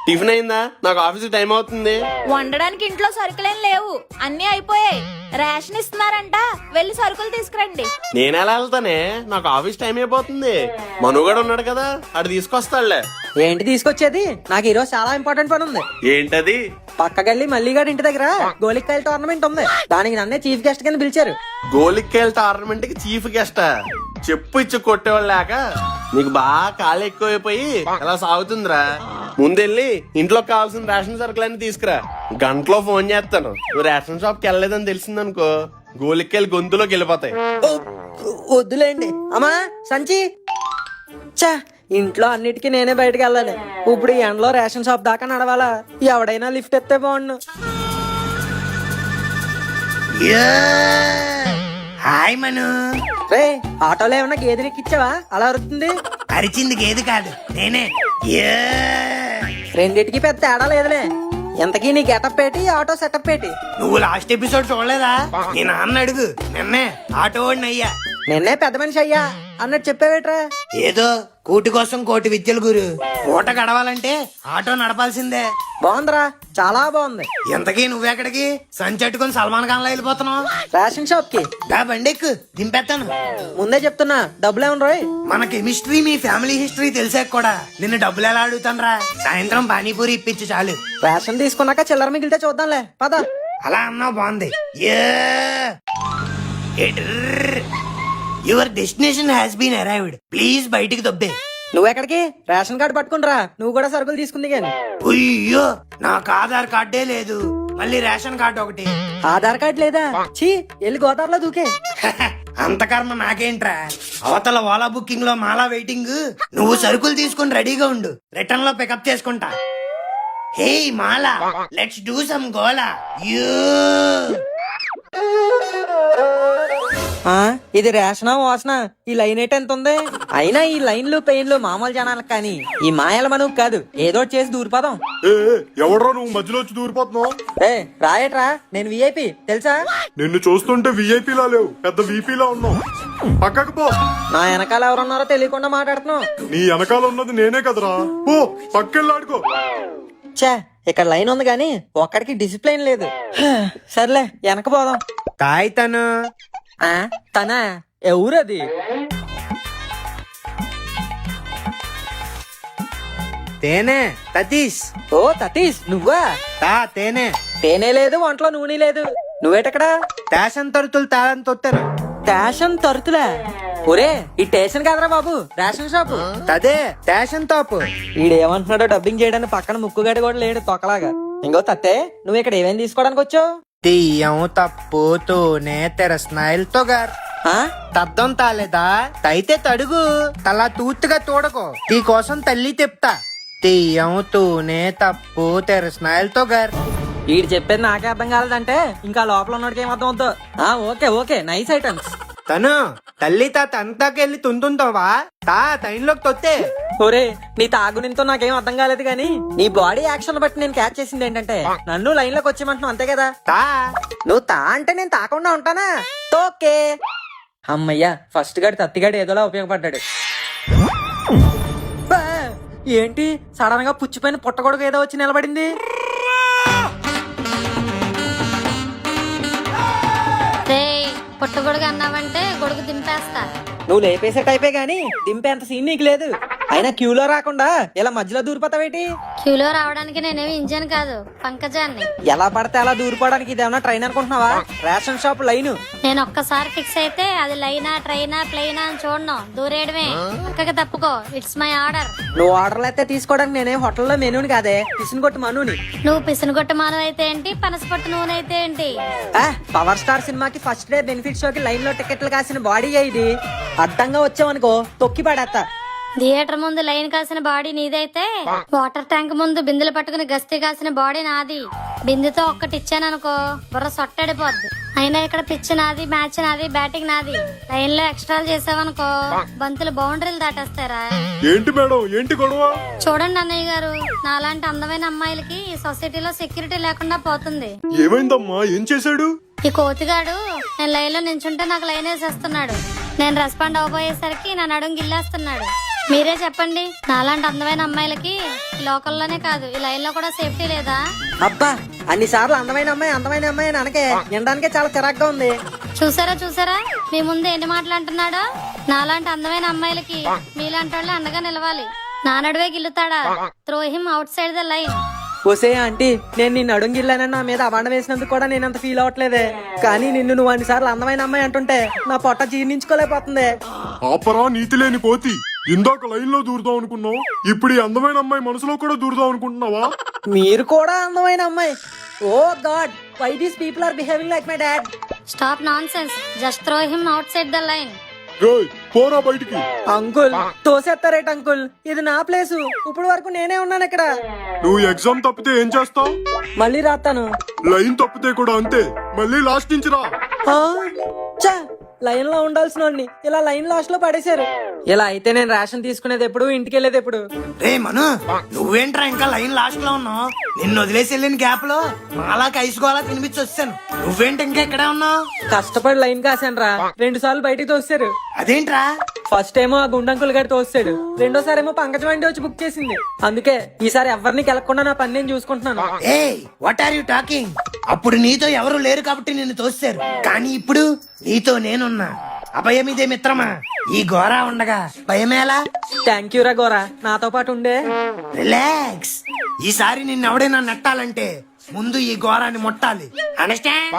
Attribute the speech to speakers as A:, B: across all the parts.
A: Tiffin అయిందా? నాకు office time అవుతుంది.
B: వండడానికి ఇంట్లో సరుకులేం లేవు, అన్నీ అయిపోయాయి. రేషన్ ఇస్తున్నారంట, వెళ్ళి సరుకులు తీసుకురండి.
A: నేనెలా వెళ్తానే? నాకు ఆఫీస్ టైం అయిపోతుంది. మనుగడ ఉన్నాడు కదా, అటు తీసుకొస్తాడులే.
C: ఏంటి తీసుకొచ్చేది? నాకు ఈరోజు చాలా ఇంపార్టెంట్ పని ఉంది.
A: ఏంటది?
C: పక్కకెళ్ళి మల్లిగాడి ఇంటి దగ్గర గోలికాయల టోర్నమెంట్ ఉంది. దానికి నన్నే చీఫ్ గెస్ట్ కింద పిలిచారు.
A: గోలిక్కాయల టోర్నమెంట్ కి చీఫ్ గెస్ట్? చెప్పు ఇచ్చి కొట్టేవాళ్ళు లేక నీకు బాగా కాలు ఎక్కువైపోయి అలా సాగుతుందిరా. ముందెళ్ళి ఇంట్లో కావాల్సిన రేషన్ సరుకులన్నీ తీసుకురా. గంటలో ఫోన్ చేస్తాను. నువ్వు రేషన్ షాప్ కి వెళ్ళలేదని తెలిసిందనుకో, గోలిక్కాయలు గొంతులోకి వెళ్ళిపోతాయి.
C: వద్దులేండి అమ్మా సంచి. చా, ఇంట్లో అన్నిటికీ నేనే బయటకు వెళ్ళాలి. ఇప్పుడు ఈ ఎండలో రేషన్ షాప్ దాకా నడవాలా? ఎవడైనా లిఫ్ట్ ఎత్తే బాగుండు.
D: హాయ్ మను.
C: రే, ఆటోలో ఏమన్నా గేదెని ఎక్కిచ్చావా? అలా అరుతుంది.
D: అరిచింది గేది కాదు, నేనే.
C: రెండిటికి పెద్ద తేడా లేదులే. ఎంతకీ నీ గెటప్ పెట్టి ఆటో సెటప్ పెట్టి.
D: నువ్వు లాస్ట్ ఎపిసోడ్ చూడలేదా? నీ నాన్న అడుగు, నిన్నే ఆటో వాడిని అయ్యా.
C: నిన్నే పెద్ద మనిషి అయ్యా అన్నట్టు చెప్పావేట్రా?
D: ఏదో కూటి కోసం కోటి విద్యలు గురు. పూట గడవాలంటే ఆటో నడపాల్సిందే.
C: బాగుందిరా, చాలా బాగుంది.
D: ఎంతకీ నువ్వెక్కడికి సంచెట్టుకుని సల్మాన్ ఖాన్ లో వెళ్ళిపోతున్నావు?
C: రేషన్ షాప్ కి.
D: దా బండెక్కు, దింపేస్తాను.
C: ముందే చెప్తున్నా, డబ్బులేమన్నా రోయ్.
D: మన కెమిస్ట్రీ మీ ఫ్యామిలీ హిస్టరీ తెలిసాక కూడా నిన్ను డబ్బులు ఎలా అడుగుతానరా? సాయంత్రం పానీపూరి ఇప్పించు చాలు.
C: రేషన్ తీసుకున్నాక చిల్లర మిగిలితే చూద్దాంలే, పద.
D: అలా అన్నావు, బాగుంది. Your destination has been arrived. Please బయటికి దొబ్బే.
C: నువ్వెక్కడికి? రేషన్ కార్డు పట్టుకునిరా, నువ్వు కూడా సరుకులు తీసుకుంది గాని.
D: అయ్యో, నాకు ఆధార్ కార్డే లేదు, మళ్ళీ రేషన్ కార్డు ఒకటి.
C: ఆధార్ కార్డు లేదా? చీ, వెళ్ళి గోదావరిలో దూకే.
D: అంత కర్మ నాకేంట్రా? అవతల ఓలా బుకింగ్ లో మాలా వెయిటింగ్. నువ్వు సరుకులు తీసుకుని రెడీగా ఉండు, రిటర్న్ లో పికప్ చేసుకుంటా. హే మాలా, లెట్స్ డూ సమ్ గోలా.
C: ఇది రేషనా వాసన? ఈ లైన్ ఏంటి ఎంత ఉంది? అయినా ఈ లైన్లు పెయిన్లు మామూలు జనాలకు కానీ ఈ మాయల మనకు కాదు. ఏదో చేసి దూరిపోదాం.
E: ఎవడ్రా నువ్వు మధ్యలో వచ్చి దూరిపోతున్నావు?
C: రాయట్రా, నేను విఐపి తెలుసా?
E: నిన్ను చూస్తుంటే విఐపీ లా లేవు, పెద్ద వీపీ లా ఉన్నావు. పక్కకు పో.
C: నా వెనకాల ఎవరున్నారో తెలియకుండా మాట్లాడుతున్నావు.
E: నీ వెనకాల ఉన్నది నేనే కదరా. పో, పక్కెళ్ళాడుకో.
C: చా, ఇక్కడ లైన్ ఉంది గాని ఒక్కడికి డిసిప్లిన్ లేదు. సర్లే, వెనక పోదాం.
D: తాయ్ తను
C: తనా? ఎవరది?
D: తేనే తతీష్.
C: ఓ తతీష్, నువ్వా?
D: తేనే.
C: తేనే లేదు, ఒంట్లో నూనె లేదు. నువ్వేటక్కడా?
D: టేషన్ తరుతులు తాళని తొత్తాను.
C: టేషన్ తరుతులా? ఒరే, ఈ టేషన్ కాదరా బాబు, రేషన్ షాపు.
D: అదే టేషన్ తాపు.
C: వీడేమంటున్నాడో డబ్బింగ్ చేయడానికి పక్కన ముక్కుగాడి కూడా లేడు తొక్కలాగా. ఇంకో తత్తే, నువ్వు ఇక్కడ ఏమేం తీసుకోవడానికి వచ్చావు?
D: తీయం తప్పు తూనే తెర స్మైల్ తొగర్. తద్దం తాలేదా? అయితే తడుగు, తలా తూత్తుగా తోడకో. నీ కోసం తల్లి తెప్తా. తీయం తూనే తప్పు తెర స్మైల్ తొగర్.
C: వీడు చెప్పేది నాకే అర్థం కాలేదంటే ఇంకా లోపల ఉన్నోడికి ఏం అర్థం అవుతుందో. Okay okay, nice items.
D: తను తల్లి తా తంతాకెళ్ళి తుంతుంటావా? తైన్లోకి తొత్తే.
C: ఒరే, నీ తాగునితో నాకేం అర్థం కాలేదు గానీ నీ బాడీ యాక్షన్ బట్టి నేను క్యాచ్ చేసింది ఏంటంటే నన్ను లైన్ లోకి వచ్చేయమంటున్నావు, అంతే కదా? నువ్వు అంటే నేను తాకుండా ఉంటానా? ఓకే. అమ్మయ్యా, ఫస్ట్ గాడి తత్తిగాడు ఏదోలా ఉపయోగపడ్డాడు. బా, ఏంటి సడన్ గా పుచ్చిపోయిన పుట్టగొడుగు ఏదో వచ్చి నిలబడింది?
F: పుట్టగొడుగు అన్నావంటే గొడుగు దింపేస్తా.
C: నువ్వు లేపేసే టైపే గానీ దింపేంత సీన్ నీకు లేదు. అయినా క్యూలో రాకుండా ఇలా మధ్యలో దూరిపోతావేటి?
F: క్యూలో రావడానికి నేనేమి ఇంజన్ కాదు, పంకజాన్ని.
C: ఎలా పడితే అలా దూరిపోవడానికి ఇదేమన్నా ట్రైన్ అనుకుంటున్నావా? Ration shop line.
F: నేను ఒక్కసారి ఫిక్స్ అయితే అది లైనా ట్రైనా ప్లైనా అని చూడను, దూరేయడమే. పక్కకి తప్పుకో, ఇట్స్ మై ఆర్డర్.
C: నువ్వు ఆర్డర్లు అయితే తీసుకోవడానికి నేనే హోటల్లో మెనూని కాదే, పిసిని కొట్టు మనుని.
F: నువ్వు పిసినగొట్టు మాను అయితే ఏంటి, పనసపట్టు నూనె అయితే ఏంటి?
C: పవర్ స్టార్ సినిమాకి ఫస్ట్ డే బెనిఫిట్ షోకి లైన్ లో టికెట్లు కాసిన బాడీ ఇది. అడ్డంగా వచ్చావనుకో తొక్కి పడేస్తా.
F: థియేటర్ ముందు లైన్ కాసిన బాడీ నీదైతే వాటర్ ట్యాంక్ ముందు బిందెలు పట్టుకుని గస్తీ కాసిన బాడీ నాది. బిందెతో ఒక్కటి ఇచ్చాననుకో బుర్ర సొట్టడిపోద్ది. అయినా ఇక్కడ పిచ్ నాది, మ్యాచ్ నాది, బ్యాటింగ్ నాది. లైన్ లో ఎక్స్ట్రాలు చేసావనుకో బంతులు బౌండరీలు దాటేస్తారా?
E: ఏంటి మేడం, ఏంటి గొడవ?
F: చూడండి అన్నయ్య గారు, నాలాంటి అందమైన అమ్మాయిలకి ఈ సొసైటీలో సెక్యూరిటీ లేకుండా పోతుంది.
E: ఏమైందమ్మా, ఏం చేశాడు?
F: ఈ కోతిగాడు నేను లైన్ లో నించుంటే నాకు లైన్ వేసేస్తున్నాడు. నేను రెస్పాండ్ అవ్వబోయేసరికి నా నడుం గిల్లేస్తున్నాడు. మీరే చెప్పండి, నాలాంటి అందమైన అమ్మాయిలకి ఈ లోకల్లోనే కాదు ఈ లైన్ లో కూడా సేఫ్టీ లేదా?
C: అబ్బా అన్నిసార్లు అందమైన అమ్మాయి అని అనకే వినడానికే చాలా చిరాగ్గా ఉంది.
F: చూసారా మీ ముందు ఎన్ని మాటలు అంటున్నాడో. నాలాంటి అందమైన అమ్మాయిలకి మీలాంటి వాళ్ళే అండగా నిలవాలి. నా నడువే గిల్లుతాడా? Throw him outside the line.
C: ఒసే ఆంటీ, నేను నిన్ను అడుగుగిల్లానని నా మీద అవాండ వేసినందుకు కూడా నేను అంత ఫీల్ అవట్లేదే. కానీ నువ్వు అన్నిసార్లు అందమైన అమ్మాయి అంటుంటే నా పొట్ట జీర్ణించుకోలేకపోతుంది.
E: ఆపరా నీతి లేని పోతి. ఇందాక లైన్ లో దూరుదాం అనుకున్నావు, ఇప్పుడు ఈ అందమైన అమ్మాయి మనసులో కూడా దూరుదాం అనుకుంటున్నావా?
C: మీరు కూడా అందమైన అమ్మాయి. Oh God, why these people are behaving like my dad.
F: Stop nonsense, just throw him outside the line.
E: రేయ్, పోరా బయటికి.
C: అంకుల్ తోసేస్తారేట అంకుల్, ఇది నా ప్లేసు. ఇప్పుడు వరకు నేనే ఉన్నాను ఇక్కడ.
E: నువ్వు ఎగ్జామ్ తప్పితే ఏం చేస్తావు?
C: మళ్ళీ రాస్తాను.
E: లైన్ తప్పితే కూడా అంతే, మళ్ళీ లాస్ట్ నుంచి రా.
C: లైన్ లో ఉండాల్సిన వాడిని ఇలా లైన్ లాస్ట్ లో పడేశారు. ఇలా అయితే నేను రేషన్ తీసుకునేది ఎప్పుడు, ఇంటికి వెళ్ళేది ఎప్పుడు?
D: రే మను, నువ్వేంట్రా ఇంకా లైన్ లాస్ట్ లో ఉన్నావు? నిన్ను వదిలేసి వెళ్ళిన గ్యాప్ లో మాలా కైసుకోవాలా తినిపించి వచ్చాను. నువ్వేంటి ఇంకా ఇక్కడే ఉన్నావు?
C: కష్టపడి లైన్ కాసాను రా. 2 సార్లు బయటికి తోస్తారు.
D: అదేంట్రా?
C: ఫస్ట్ ఏమో ఆ గుండంకుల్ గారి తోస్తాడు, రెండోసారి ఏమో పంకజం వండి వచ్చి బుక్ చేసింది. అందుకే ఈసారి ఎవరిని కెలకుండా నా పని నేను చూసుకుంటున్నాను.
D: ఏ వాట్ ఆర్ యు టాకింగ్? అప్పుడు నీతో ఎవరు లేరు కాబట్టి నిన్ను తోస్తారు, కానీ ఇప్పుడు నీతో నేనున్నా. అభయమిదే మిత్రమా. ఈ గోరా ఉండగా భయమేలా?
C: థ్యాంక్ యూ రా గోరా, నాతో పాటు ఉండే.
D: రిలాక్స్. ఈసారి నిన్నెవడైనా నెట్టాలంటే ముందు ఈ గోరాన్ని ముట్టాలి. అండర్స్టాండ్?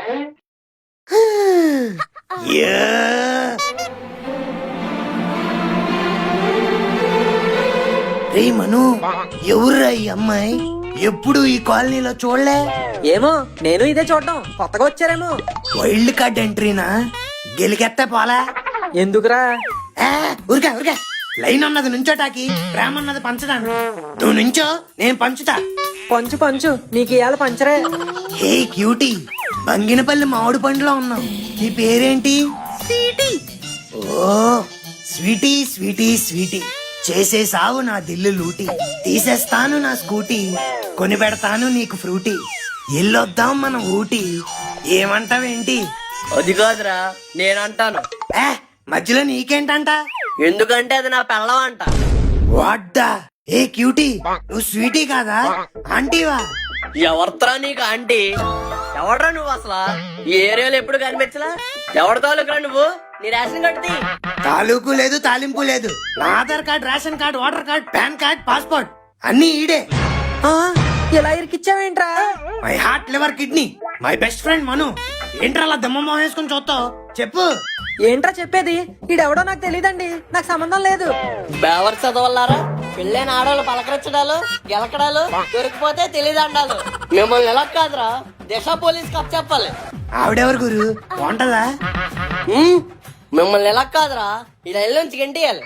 D: రే మను, ఎవర్రా ఈ అమ్మాయి? ఎప్పుడు ఈ కాలనీలో చూడలే.
C: ఏమో, నేను ఇదే చూడడం కొత్తగా వచ్చారేమో.
D: Wild card ఎంట్రీనా? గెలికెత్తే పోలా?
C: ఎందుకురా?
D: ఊరికా ఊరికా. లైన్ అన్నది నుంచోటాకి, ప్రేమ అన్నది పంచడానికి. నువ్వు నుంచో, నేను పంచుతా.
C: పంచు పంచు, నీకు ఇవాళ పంచరే.
D: హే క్యూటీ, బంగినపల్లి మామిడి పండులో ఉన్నావు. నీ పేరేంటి? స్వీటీ. ఓ స్వీటీ స్వీటీ స్వీటీ. చేసేసావు నా దిల్లు లూటీ, తీసేస్తాను నా స్కూటీ, కొని పెడతాను నీకు ఫ్రూటీ, ఎల్లొద్దాం మనం ఊటీ. ఏమంటావేంటి?
G: అది కాదురా, నేనంటాను.
D: మధ్యలో నీకేంటంట?
G: ఎందుకంటే అది నా పెళ్ళం అంట.
D: వాడ్డా. ఏ క్యూటీ, నువ్వు స్వీటీ కాదా, ఆంటీవా?
G: ఎవరితో నీకు ఆంటీ? ఎవడ్రా నువ్వు అసలు? ఈ ఏరియాలో ఎప్పుడు కనిపించలా? ఎవరి తాలూకురా నువ్వు? నీ రేషన్ కట్టి.
D: తాలూకు లేదు, తాలింపు లేదు. నా Aadhaar card, ration card, voter card, PAN card, passport అన్ని ఈడే.
C: ఇలా ఇరికిచ్చావేంట్రా?
D: My heart, liver, kidney, my best friend Manu. ఏంట్రా అలా దమ్మ వేసుకుని చూస్తావు? చెప్పు.
C: ఏంట్రా చెప్పేది? ఈడెవడో నాకు తెలియదండి, నాకు సంబంధం లేదు.
G: బేవర్ చదవల్లారా? పెళ్ళైన ఆడవాళ్ళు పలకరించడాలు, గెలకడాలు, దొరికిపోతే తెలియదండాలు. మిమ్మల్ని ఎలా కాదురా, దిశ పోలీస్ కప్ చెప్పాలి.
D: ఆవిడెవరు గురు, బాగుంటదా?
G: మిమ్మల్ని ఎలా కాదురా, ఈ రైలు నుంచి గంటియాలి.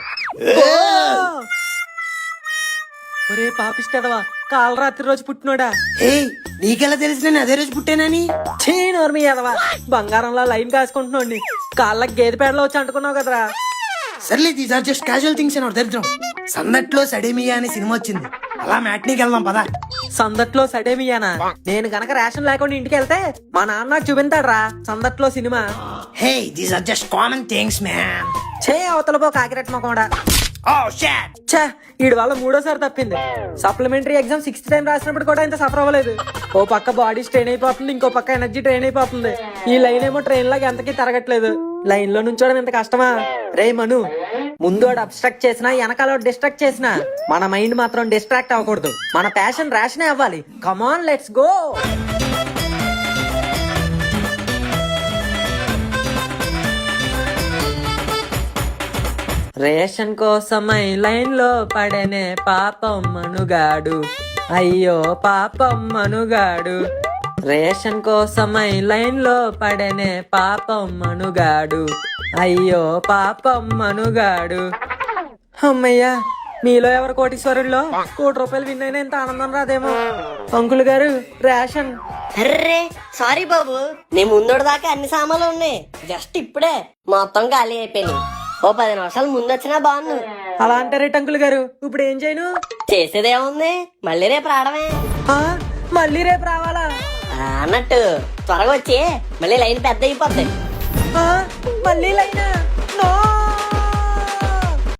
C: ఒరే పాపిస్తదవా, కాల రాత్రి రోజు పుట్టినోడా.
D: ఏ నీకెలా తెలిసి నేను అదే రోజు పుట్టానని?
C: చీనోర్మి ఎదవా, బంగారంలో లైన్ కాసుకుంటున్నాండి. కాళ్ళకి గేదె పేడలో వచ్చి అంటుకున్నావు కదరా.
D: సర్లే, these are just casual things అని దరిద్రం. సందట్లో సడేమియా అనే సినిమా వచ్చింది, అలా మ్యాట్నీకి వెళ్దాం పదా.
C: సందట్లో సడేమియానా? నేను గనక రేషన్ లేకుండా ఇంటికి వెళ్తే మా నాన్న నాకు చూపించాడ్రా సందట్లో cinema.
D: Hey, these are just common things man.
C: చే అవతల పో కాకిరెట్ మొక్కడా. ఛే, ఈడు వల్ల 3వ సారి తప్పింది. సప్లిమెంటరీ ఎగ్జామ్ 6th టైం రాసినప్పుడు కూడా ఇంత సఫర్ అవ్వలేదు. ఓ పక్క బాడీ స్ట్రెయిన్ అయిపోతుంది, ఇంకో పక్క ఎనర్జీ ట్రైన్ అయిపోతుంది. ఈ లైన్ ఏమో ట్రైన్ లాగా ఎంతకీ తిరగట్లేదు. లైన్ లో నుంచోడం ఎంత కష్టమా? రే మను, ముందు అబ్స్ట్రాక్ట్ చేసినా వెనకాల డిస్ట్రాక్ట్ చేసినా మన మైండ్ మాత్రం డిస్ట్రాక్ట్ అవ్వకూడదు. మన ప్యాషన్ రేషనే అవ్వాలి. Come on, let's go. రేషన్ కోసమై లైన్ లో పడనే పాపం మనుగాడు, అయ్యో పాపం మనుగాడు. రేషన్ కోసమై లైన్ లో పడనే పాపం మనుగాడు, అయ్యో పాపం మనుగాడు. అమ్మయ్యా, మీలో ఎవరు కోటీశ్వరుల్లో ₹1 కోటి విన్ అయినా ఇంత ఆనందం రాదేమో. అంకుల్ గారు, రేషన్.
G: అర్రే సారీ బాబు, నీ ముందోడు దాకా అన్ని సామాన్లు ఉన్నాయి, జస్ట్ ఇప్పుడే మొత్తం ఖాళీ అయిపోయినాయి. ఓ 10 నిమిషాలు ముందు వచ్చినా బాగుండు.
C: అలా అంటారేట అంకుల్ గారు, ఇప్పుడు ఏం చేయను?
G: చేసేదేముంది, మళ్ళీ రేపు రావడమే.
C: మళ్ళీ రేపు రావాలా?
G: అన్నట్టు త్వరగా వచ్చి మళ్ళీ లైన్ పెద్ద అయిపోద్ది.
C: మళ్ళీ లైనా? నో.